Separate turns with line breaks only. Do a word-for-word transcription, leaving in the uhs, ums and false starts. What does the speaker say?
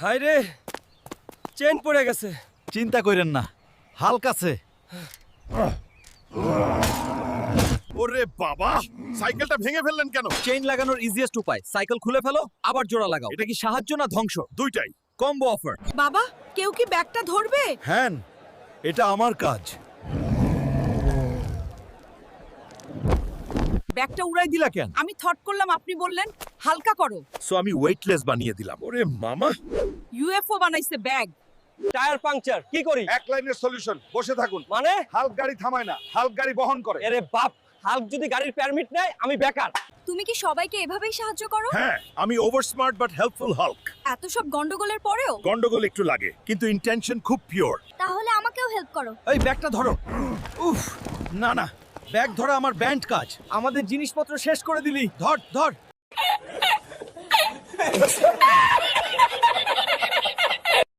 হায় রে, চেন পড়ে গেছে।
চিন্তা করেন না, হালকা আছে।
ওরে বাবা, সাইকেলটা ভেঙে ফেললেন কেন?
চেইন লাগানোর ইজিয়েস্ট উপায়, সাইকেল খুলে ফেলো, আবার জোড়া লাগাও। এটা কি সাহায্য না ধ্বংস?
দুইটাই।
Combo offer.
বাবা, কেউ কি ব্যাগটা ধরবে?
হ্যাঁ, এটা আমার কাজ।
ব্যাগটা উড়াই দিলা কেন? আমি থট করলাম আপনি বললেন হালকা করো।
সো আমি ওয়েটলেস বানিয়ে দিলাম। ওরে মামা,
ইউএফও বানাইছে ব্যাগ।
টায়ার পাংচার, কি করি?
এক লাইনের সলিউশন, বসে থাকুন।
মানে?
হাল্ক গাড়ি থামায় না, হাল্ক গাড়ি বহন করে।
আরে বাপ, হাল্ক যদি গাড়ির পারমিট নেয়, আমি বেকার।
তুমি কি সবাইকে এভাবেই সাহায্য করো?
হ্যাঁ, আমি over smart but helpful hulk.
এত সব গন্ডগোলের পরেও?
গন্ডগোল একটু লাগে, কিন্তু ইন্টেনশন খুব পিওর।
তাহলে আমাকেও হেল্প করো।
এই ব্যাগটা ধরো। উফ, না না, ব্যাগ ধরা আমার ব্যান্ড কাজ। আমাদের জিনিসপত্র শেষ করে দিলি। ধর ধর।